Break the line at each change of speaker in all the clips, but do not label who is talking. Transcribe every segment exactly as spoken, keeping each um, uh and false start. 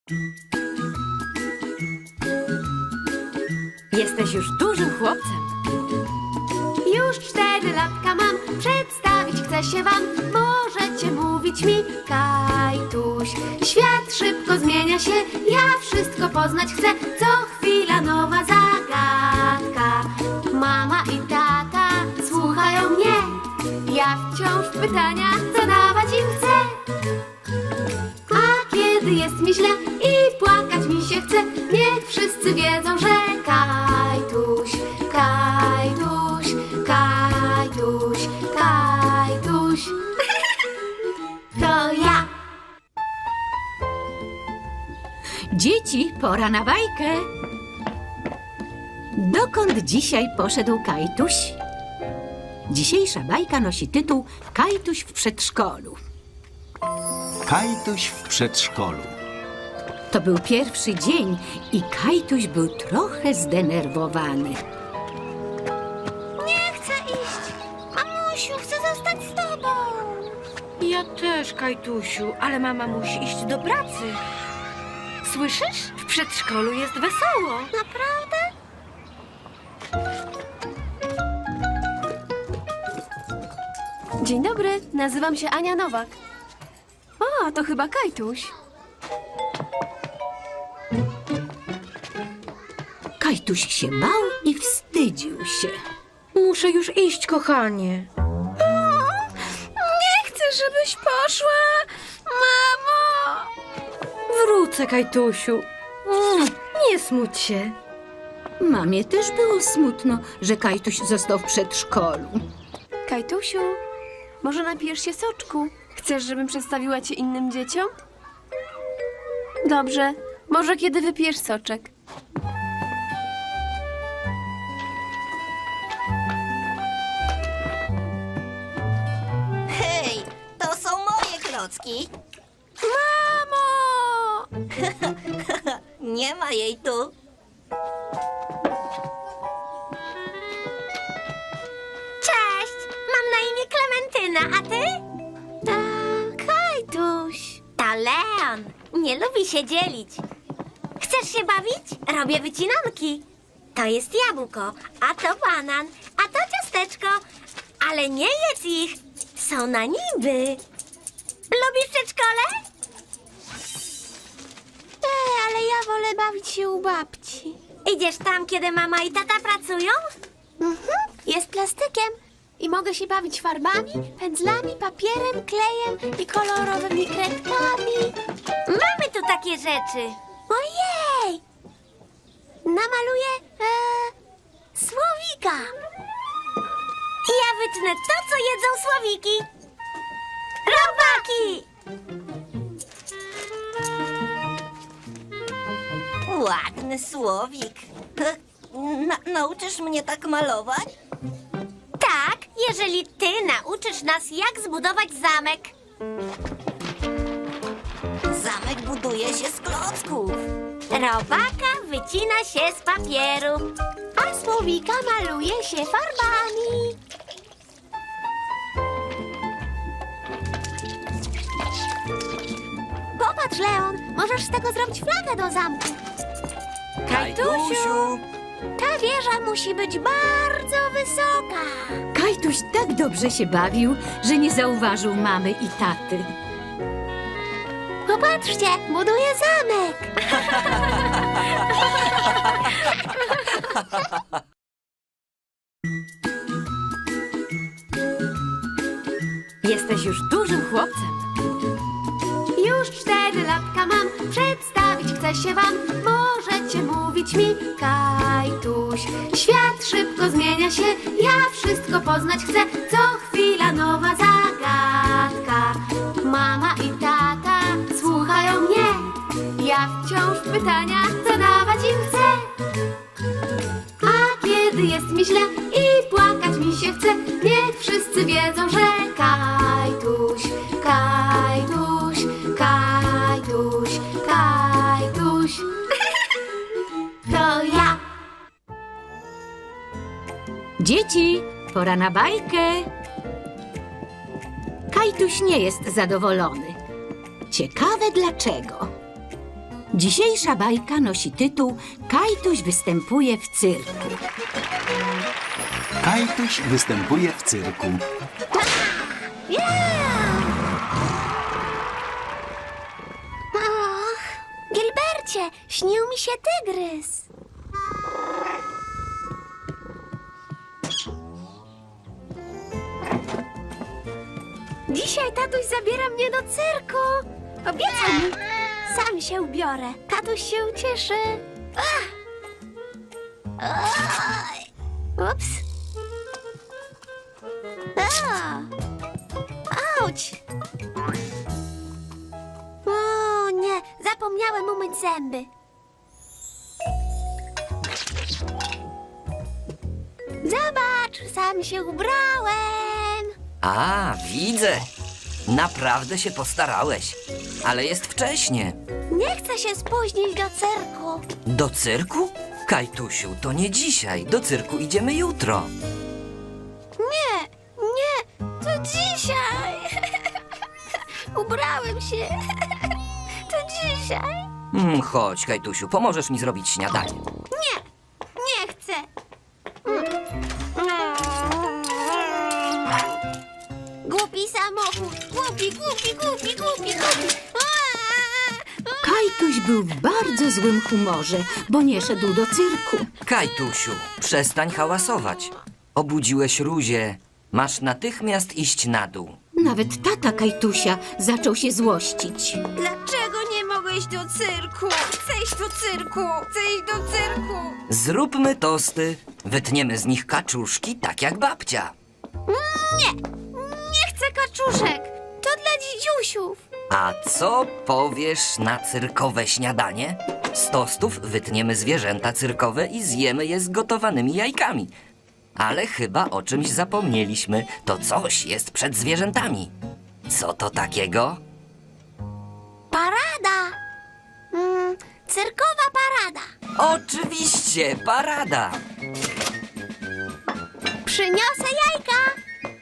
Jesteś już dużym chłopcem.
Już cztery latka mam, przedstawić chcę się wam. Możecie mówić mi Kajtuś. Świat szybko zmienia się, ja wszystko poznać chcę. Co chwila nowa zagadka. Mama i tata słuchają mnie. Ja wciąż pytania zadawać im chcę. A kiedy jest mi źle i płakać mi się chce, niech wszyscy wiedzą, że Kajtuś, Kajtuś, Kajtuś, Kajtuś. To ja.
Dzieci, pora na bajkę. Dokąd dzisiaj poszedł Kajtuś? Dzisiejsza bajka nosi tytuł Kajtuś w przedszkolu.
Kajtuś w przedszkolu.
To był pierwszy dzień i Kajtuś był trochę zdenerwowany.
Nie chcę iść. Mamusiu, chcę zostać z tobą.
Ja też, Kajtusiu, ale mama musi iść do pracy. Słyszysz? W przedszkolu jest wesoło.
Naprawdę? Dzień dobry, nazywam się Ania Nowak. O, to chyba Kajtuś.
Kajtuś się bał i wstydził się.
Muszę już iść, kochanie.
Nie chcę, żebyś poszła, mamo.
Wrócę, Kajtusiu. Mm, Nie smuć się.
Mamie też było smutno, że Kajtuś został w przedszkolu.
Kajtusiu, może napijesz się soczku? Chcesz, żebym przedstawiła cię innym dzieciom? Dobrze, może kiedy wypijesz soczek.
Hej, to są moje klocki.
Mamo!
Nie ma jej tu.
Cześć, mam na imię Klementyna, a ty? A, Kajtuś.
To Leon. Nie lubi się dzielić. Chcesz się bawić? Robię wycinanki. To jest jabłko, a to banan, a to ciasteczko. Ale nie jedz ich. Są na niby. Lubisz przedszkole?
Ej, ale ja wolę bawić się u babci.
Idziesz tam, kiedy mama i tata pracują?
Mhm. Jest plastykiem i mogę się bawić farbami, pędzlami, papierem, klejem i kolorowymi kredkami.
Mamy tu takie rzeczy.
Ojej! Namaluję e, słowika.
Ja wytnę to, co jedzą słowiki. Robaki! Ładny słowik. Na, nauczysz mnie tak malować? Tak, jeżeli ty nauczysz nas, jak zbudować zamek. Zamek buduje się z klocków. Robaka wycina się z papieru.
A słowika maluje się farbami. Popatrz, Leon, możesz z tego zrobić flagę do zamku.
Kajtusiu!
Ta wieża musi być bardzo wysoka.
Kajtuś tak dobrze się bawił, że nie zauważył mamy i taty.
Popatrzcie, buduję zamek.
Jesteś już dużym chłopcem.
Już cztery latka mam, przedstawić chcę się wam. Możecie mówić mi Kajtuś. Świat szybko zmienia się, ja wszystko poznać chcę. Co chwila nowa zagadka. Mama i tata słuchają mnie. Ja wciąż pytania zadawać im chcę. A kiedy jest mi źle i płakać mi się chce, niech wszyscy wiedzą, że Kajtuś, Kajtuś, Kajtuś, Kajtuś. To ja.
Dzieci, pora na bajkę. Kajtuś nie jest zadowolony. Ciekawe dlaczego. Dzisiejsza bajka nosi tytuł Kajtuś występuje w cyrku.
Kajtuś występuje w cyrku.
Och, Gilbercie, śnił mi się tygrys. Dzisiaj tatuś zabiera mnie do cyrku. Obiecał mi. Sam się ubiorę. Tatuś się ucieszy. Ach. Oj. Ups. A. Auć. O nie, zapomniałem umyć zęby. Zobacz, sam się ubrałem.
A, widzę. Naprawdę się postarałeś. Ale jest wcześnie.
Nie chcę się spóźnić do cyrku.
Do cyrku? Kajtusiu, to nie dzisiaj. Do cyrku idziemy jutro.
Nie, nie, to dzisiaj. Ubrałem się. To dzisiaj.
Mm, chodź, Kajtusiu, pomożesz mi zrobić śniadanie.
Nie, nie chcę. Głupi samochód. Głupi, głupi, głupi, głupi, głupi.
Kajtuś był w bardzo złym humorze, bo nie szedł do cyrku.
Kajtusiu, przestań hałasować. Obudziłeś Ruzię. Masz natychmiast iść na dół.
Nawet tata Kajtusia zaczął się złościć.
Dlaczego nie mogę iść do cyrku? Chcę iść do cyrku! Chcę iść do cyrku!
Zróbmy tosty. Wytniemy z nich kaczuszki, tak jak babcia.
Nie chcę kaczuszek. To dla dzidziusiów.
A co powiesz na cyrkowe śniadanie? Z tostów wytniemy zwierzęta cyrkowe i zjemy je z gotowanymi jajkami. Ale chyba o czymś zapomnieliśmy. To coś jest przed zwierzętami. Co to takiego?
Parada. Mm, cyrkowa parada.
Oczywiście, parada.
Przyniosę jajka.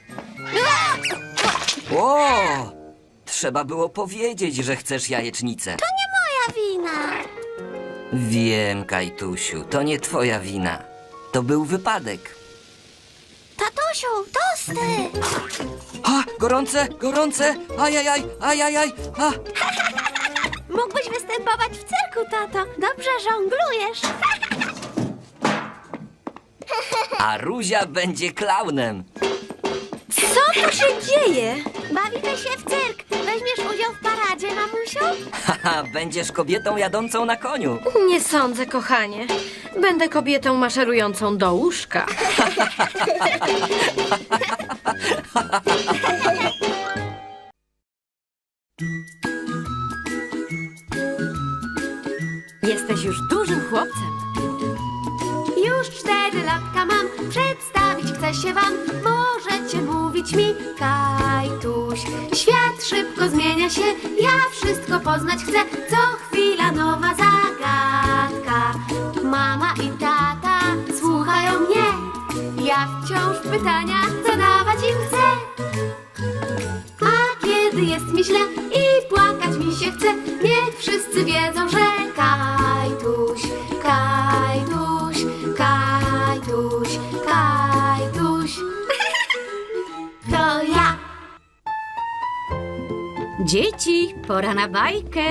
O! Trzeba było powiedzieć, że chcesz jajecznicę.
To nie moja wina.
Wiem, Kajtusiu, to nie twoja wina. To był wypadek.
Tatusiu, tosty.
A, gorące, gorące, ajajaj, ajajaj, a.
Mógłbyś występować w cyrku, tato. Dobrze żonglujesz.
A Ruzia będzie klaunem.
Co tu się dzieje?
Bawimy się w cyrk. Weźmiesz udział w paradzie, mamusiu?
Haha, będziesz kobietą jadącą na koniu.
Nie sądzę, kochanie. Będę kobietą maszerującą do łóżka. Jesteś już dużym chłopcem.
Już cztery latka mam. Przedstawić chcę się wam. Możecie mówić mi Kajtuś. Świat szybko zmienia się. Ja wszystko poznać chcę. Co chwila nowa zagadka. Mama i tata słuchają mnie. Ja wciąż pytania zadawać im chcę. A kiedy jest mi źle i płakać mi się chce, niech wszyscy wiedzą, że Kajtuś, Kajtuś, Kajtuś, Kajtuś. To ja.
Dzieci, pora na bajkę.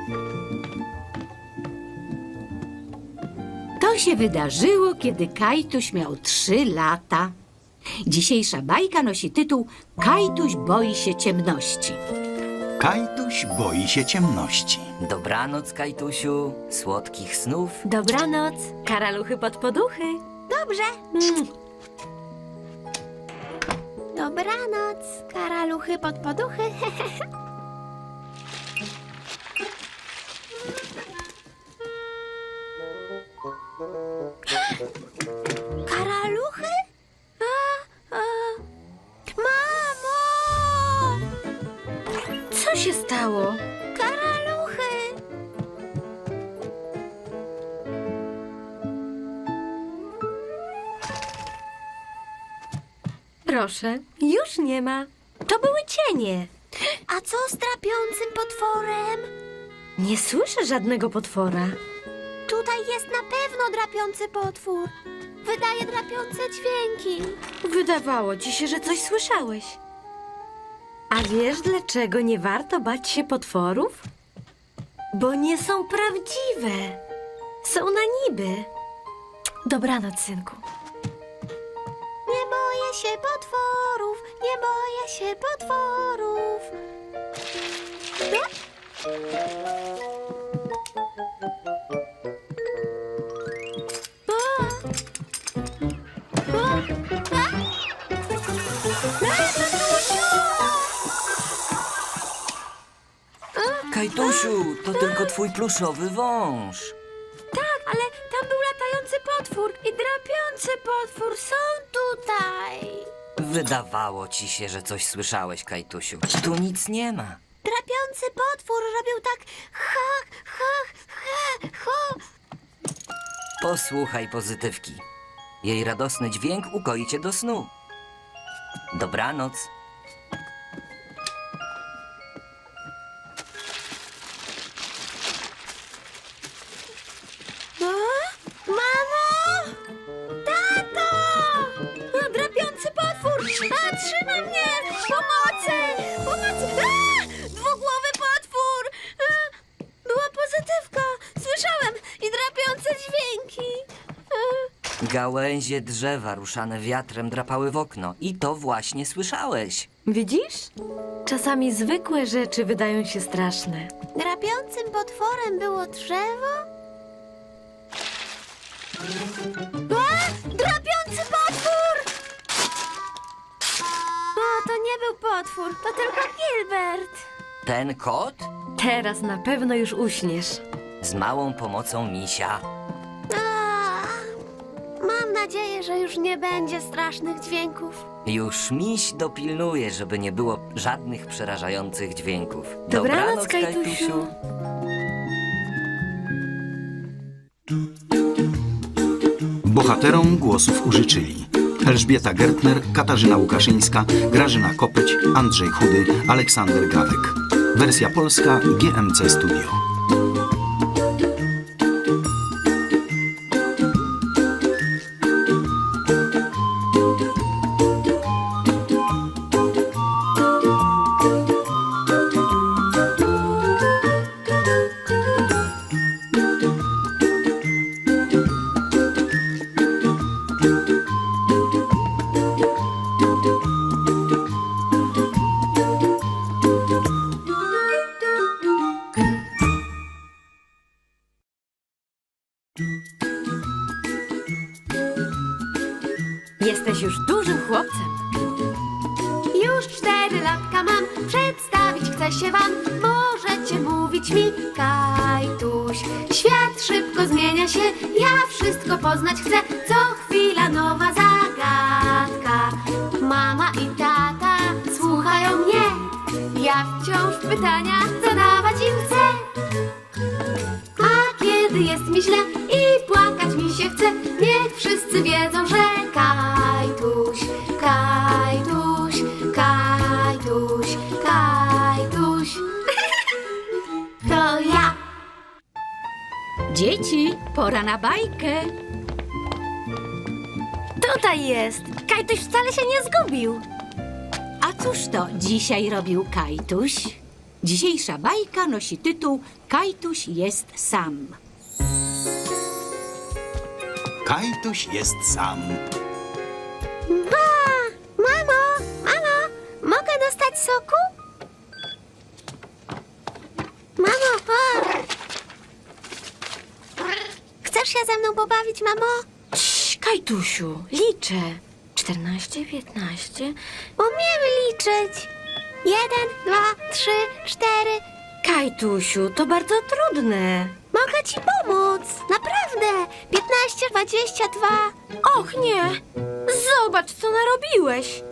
To się wydarzyło, kiedy Kajtuś miał trzy lata. Dzisiejsza bajka nosi tytuł Kajtuś boi się ciemności.
Kajtuś boi się ciemności.
Dobranoc, Kajtusiu, słodkich snów.
Dobranoc, karaluchy pod poduchy.
Dobrze. Dobranoc, karaluchy pod poduchy. Karaluchy? A, a. Mamo!
Co się stało?
Karaluchy!
Proszę, już nie ma. To były cienie.
A co z trapiącym potworem?
Nie słyszę żadnego potwora.
Tutaj jest na pewno drapiący potwór. Wydaje drapiące dźwięki.
Wydawało ci się, że coś słyszałeś. A wiesz, dlaczego nie warto bać się potworów? Bo nie są prawdziwe. Są na niby. Dobranoc, synku.
Nie boję się potworów, nie boję się potworów.
Kajtusiu, to tylko twój pluszowy wąż.
Tak, ale tam był latający potwór i drapiący potwór. Są tutaj.
Wydawało ci się, że coś słyszałeś, Kajtusiu. Tu nic nie ma.
Drapiący potwór robił tak ha, ha, ha, ha.
Posłuchaj pozytywki. Jej radosny dźwięk ukoi cię do snu. Dobranoc.
A? Mamo! Tato! A, drapiący potwór! A, trzyma mnie! Pomocy! Pomocy! A! Dwugłowy potwór! A, była pozytywka! Słyszałem! I drapiące dźwięki! A,
Gałęzie drzewa ruszane wiatrem drapały w okno. I to właśnie słyszałeś.
Widzisz? Czasami zwykłe rzeczy wydają się straszne.
drapiącym potworem było drzewo? A! Drapiący potwór! O, to nie był potwór, to tylko Gilbert.
Ten kot?
Teraz na pewno już uśniesz.
Z małą pomocą misia.
A, mam nadzieję, że już nie będzie strasznych dźwięków.
Już miś dopilnuje, żeby nie było żadnych przerażających dźwięków.
Dobranoc, Kajtusiu.
Bohaterom głosów użyczyli Elżbieta Gertner, Katarzyna Łukaszyńska, Grażyna Kopeć, Andrzej Chudy, Aleksander Gawek. Wersja polska G M C Studio.
Jesteś już dużym chłopcem.
Już cztery latka mam, przedstawić chcę się wam. Możecie mówić mi Kajtuś. Świat szybko zmienia się, ja wszystko poznać chcę. Co chwila nowa zagadka. Mama i tata słuchają mnie. Ja wciąż pytania zadawać im chcę. A kiedy jest mi źle i płakać mi się chce, niech wszyscy wiedzą, że Kajtuś, Kajtuś, Kajtuś, Kajtuś. To ja.
Dzieci, pora na bajkę.
Tutaj jest. Kajtuś wcale się nie zgubił.
A cóż to dzisiaj robił Kajtuś? Dzisiejsza bajka nosi tytuł Kajtuś jest sam.
Kajtuś jest sam.
Ba! Mamo, mamo, mogę dostać soku? Mamo, o! Chcesz się ze mną pobawić, mamo?
Cii, Kajtusiu, liczę. Czternaście, piętnaście.
Umiem liczyć. Jeden, dwa, trzy, cztery.
Kajtusiu, to bardzo trudne.
Mogę ci pomóc. Naprawdę. Piętnaście, dwadzieścia dwa.
Och nie! Zobacz, co narobiłeś!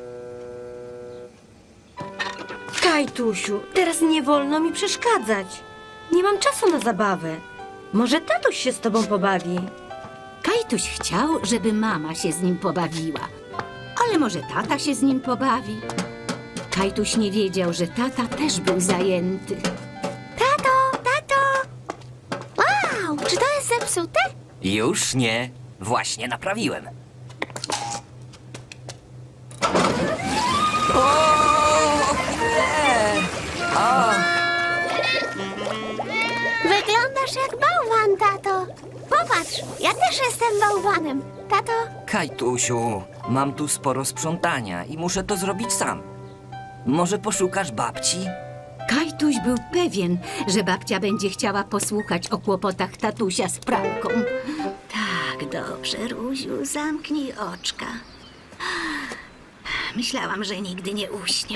Kajtusiu, teraz nie wolno mi przeszkadzać. Nie mam czasu na zabawę. Może tatuś się z tobą pobawi.
Kajtuś chciał, żeby mama się z nim pobawiła. Ale może tata się z nim pobawi? Kajtuś nie wiedział, że tata też był zajęty.
Tato, tato. zepsute?
Już nie. Właśnie naprawiłem. O, nie! O,
Wyglądasz jak bałwan, tato. Popatrz, ja też jestem bałwanem. Tato,
Kajtusiu, mam tu sporo sprzątania i muszę to zrobić sam. Może poszukasz babci?
Kajtuś był pewien, że babcia będzie chciała posłuchać o kłopotach tatusia z pralką. Tak, dobrze, Ruziu, zamknij oczka. Myślałam, że nigdy nie uśnie.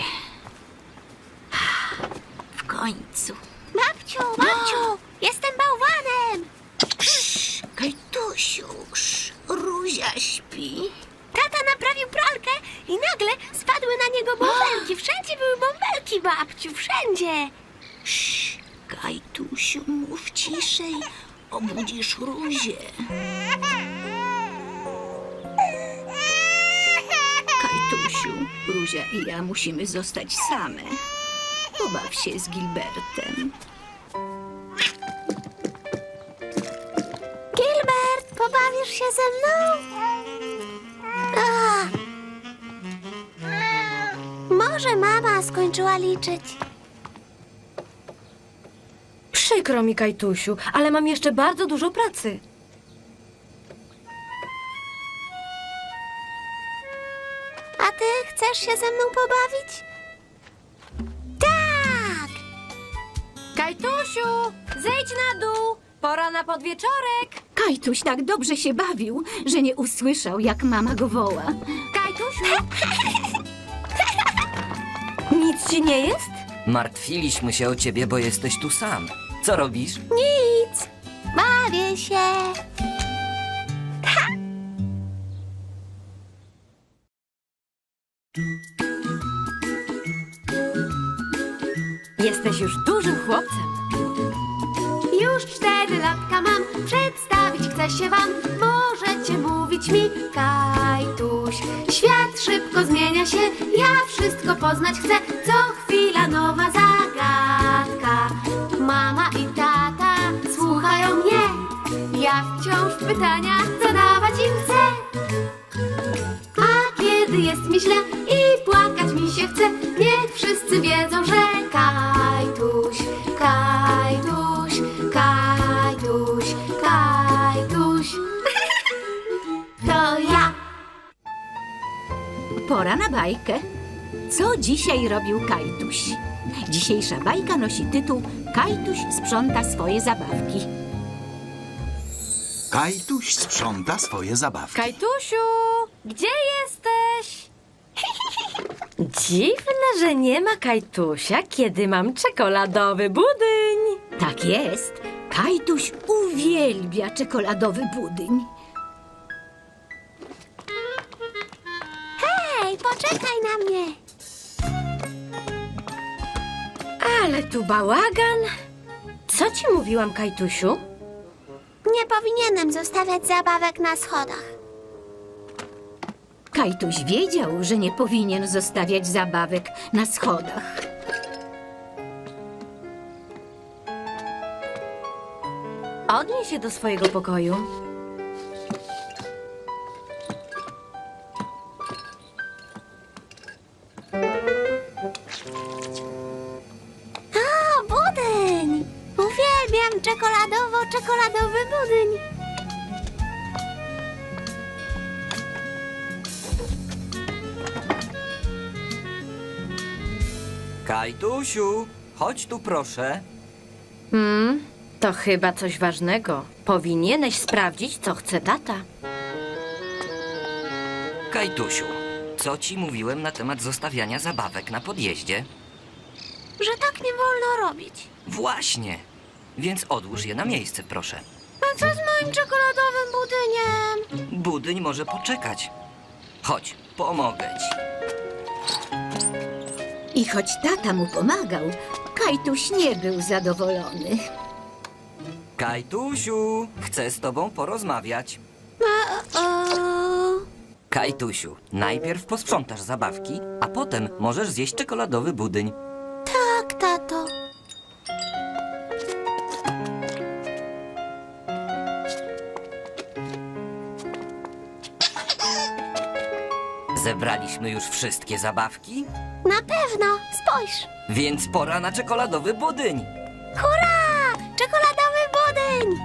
W końcu.
babciu, babciu, jestem bałwanem.
Kajtusiu, Ruzia śpi.
Tata naprawił pralkę i nagle spadły na niego bąbelki. Wszędzie były bąbelki, babciu, wszędzie.
Kajtusiu, mów ciszej, obudzisz Ruzię. Kajtusiu, Ruzia i ja musimy zostać same. Pobaw się z Gilbertem.
Gilbert, pobawisz się ze mną? Ach. Może mama skończyła liczyć.
Przykro mi, Kajtusiu, ale mam jeszcze bardzo dużo pracy.
A ty chcesz się ze mną pobawić? Tak!
Kajtusiu, zejdź na dół. Pora na podwieczorek.
Kajtuś tak dobrze się bawił, że nie usłyszał, jak mama go woła.
Kajtusiu. Nic ci nie jest?
Martwiliśmy się o ciebie, bo jesteś tu sam. Co robisz?
Nic. Bawię się.
Jesteś już dużym chłopcem.
Już cztery latka mam, przedstawić chcę się wam. Możecie mówić mi Kajtuś. Świat szybko zmienia się, ja wszystko poznać chcę. Co chwila nowa zagadka. Mama i tata słuchają mnie. Ja wciąż pytania zadawać im chcę. A kiedy jest mi źle i płakać mi się chce, niech wszyscy wiedzą, że Kajtuś, Kajtuś, Kajtuś, Kajtuś. To ja.
Pora na bajkę. Co dzisiaj robił Kajtuś? Dzisiejsza bajka nosi tytuł Kajtuś sprząta swoje zabawki.
Kajtuś sprząta swoje zabawki.
Kajtusiu, gdzie jesteś? Dziwne, że nie ma Kajtusia, kiedy mam czekoladowy budyń.
Tak jest. Kajtuś uwielbia czekoladowy budyń.
Hej, poczekaj na mnie.
Ale tu bałagan. Co ci mówiłam, Kajtusiu?
Nie powinienem zostawiać zabawek na schodach.
Kajtuś wiedział, że nie powinien zostawiać zabawek na schodach.
Odnieś się do swojego pokoju.
O, budyń! Uwielbiam czekoladowo-czekoladowy budyń.
Kajtusiu, chodź tu proszę.
Hmm, to chyba coś ważnego. Powinieneś sprawdzić, co chce tata.
Kajtusiu, co ci mówiłem na temat zostawiania zabawek na podjeździe?
Że tak nie wolno robić.
Właśnie. Więc odłóż je na miejsce, proszę.
A co z moim czekoladowym budyniem?
Budyń może poczekać. Chodź, pomogę ci.
I choć tata mu pomagał, Kajtuś nie był zadowolony.
Kajtusiu, chcę z tobą porozmawiać.
O, o.
Kajtusiu, najpierw posprzątasz zabawki, a potem możesz zjeść czekoladowy budyń.
Tak, tato.
Zebraliśmy już wszystkie zabawki,
Na pewno, spójrz.
więc pora na czekoladowy budyń.
Hurra! Czekoladowy budyń!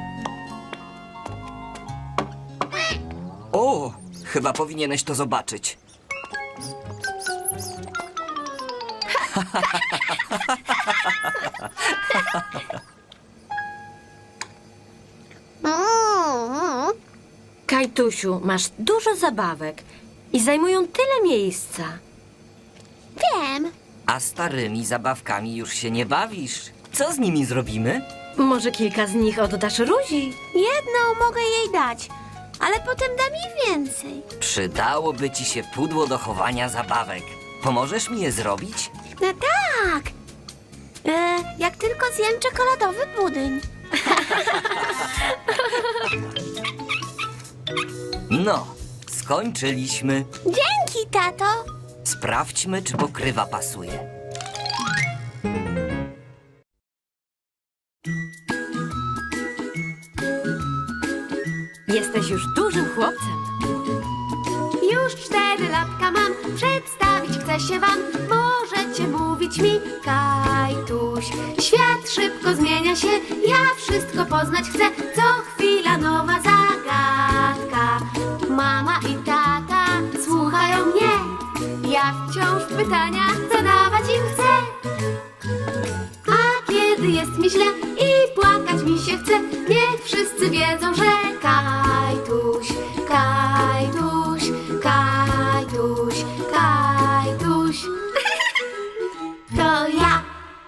O, chyba powinieneś to zobaczyć.
Mm.
Kajtusiu, masz dużo zabawek i zajmują tyle miejsca.
Wiem.
A starymi zabawkami już się nie bawisz. Co z nimi zrobimy?
Może kilka z nich oddasz Ruzi?
Jedną mogę jej dać, ale potem dam jej więcej.
Przydałoby ci się pudło do chowania zabawek. Pomożesz mi je zrobić?
No tak. E, jak tylko zjem czekoladowy budyń.
No, skończyliśmy.
Dzięki, tato.
Sprawdźmy, czy pokrywa pasuje.
Jesteś już dużym chłopcem.
Już cztery latka mam, przedstawić chcę się wam. Możecie mówić mi Kajtuś. Świat szybko zmienia się, ja wszystko poznać chcę. Co chwila nowa zagadka. Mama i tata słuchają mnie. Ja wciąż pytania zadawać im chcę. A kiedy jest mi źle i płakać mi się chce, niech wszyscy wiedzą, że Kajtuś, Kajtuś, Kajtuś, Kajtuś. To ja.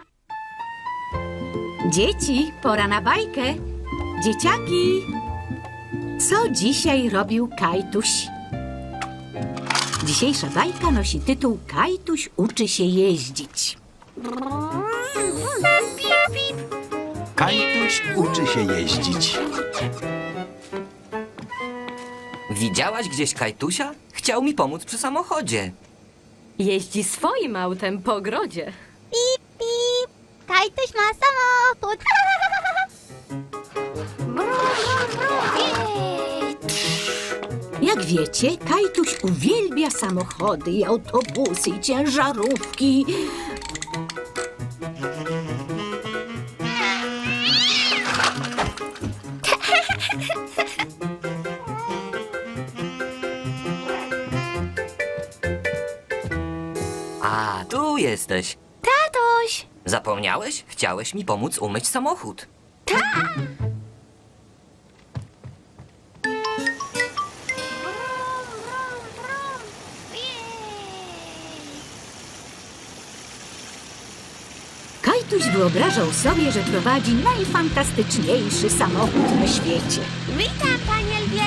Dzieci, pora na bajkę. Dzieciaki, co dzisiaj robił Kajtuś? Dzisiejsza bajka nosi tytuł Kajtuś uczy się jeździć.
Kajtuś uczy się jeździć.
Widziałaś gdzieś Kajtusia? Chciał mi pomóc przy samochodzie.
Jeździ swoim autem po ogrodzie.
Pip, pip. Kajtuś ma samochód.
Jak wiecie, Kajtuś uwielbia samochody i autobusy i ciężarówki.
A, tu jesteś.
Tatuś.
Zapomniałeś? Chciałeś mi pomóc umyć samochód.
Kajtuś wyobrażał sobie, że prowadzi najfantastyczniejszy samochód na świecie.
Witam, panie lwie.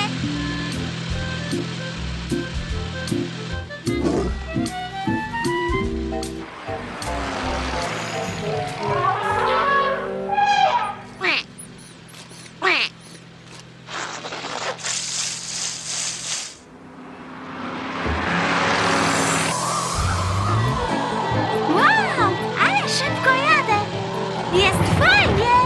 Wow, ale szybko jadę. Jest fajnie.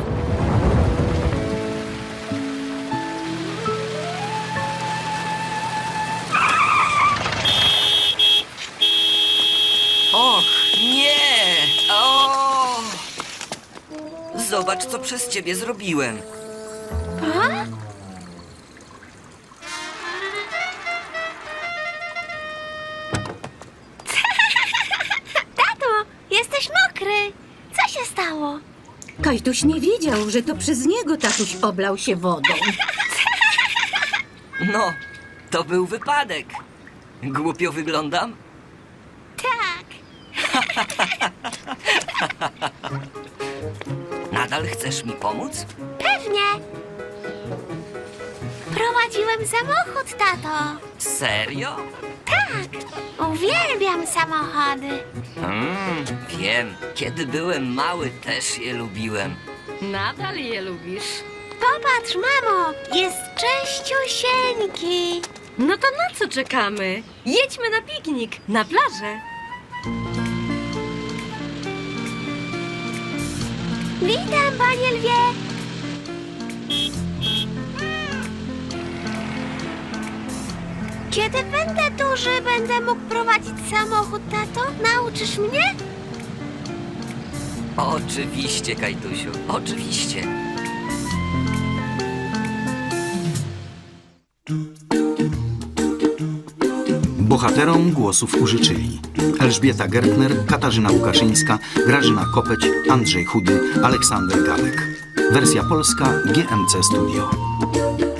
Och, nie! O! Zobacz, co przez ciebie zrobiłem.
Tato, jesteś mokry. Co się stało?
Kajtuś nie wiedział, że to przez niego tatuś oblał się wodą.
No, to był wypadek. Głupio wyglądam?
Tak.
Nadal chcesz mi pomóc?
Pewnie. Prowadziłem samochód, tato.
Serio?
Tak. Uwielbiam samochody.
Mm, wiem. Kiedy byłem mały, też je lubiłem.
Nadal je lubisz.
Popatrz, mamo, jest czyściusieńki.
No to na co czekamy? Jedźmy na piknik, na plażę.
Witam, panie lwie. Kiedy będę duży będę mógł prowadzić samochód, tato? Nauczysz mnie?
Oczywiście, Kajtusiu, oczywiście.
Bohaterom głosów użyczyli Elżbieta Gertner, Katarzyna Łukaszyńska, Grażyna Kopeć, Andrzej Chudy, Aleksander Gawek. Wersja polska G M C Studio.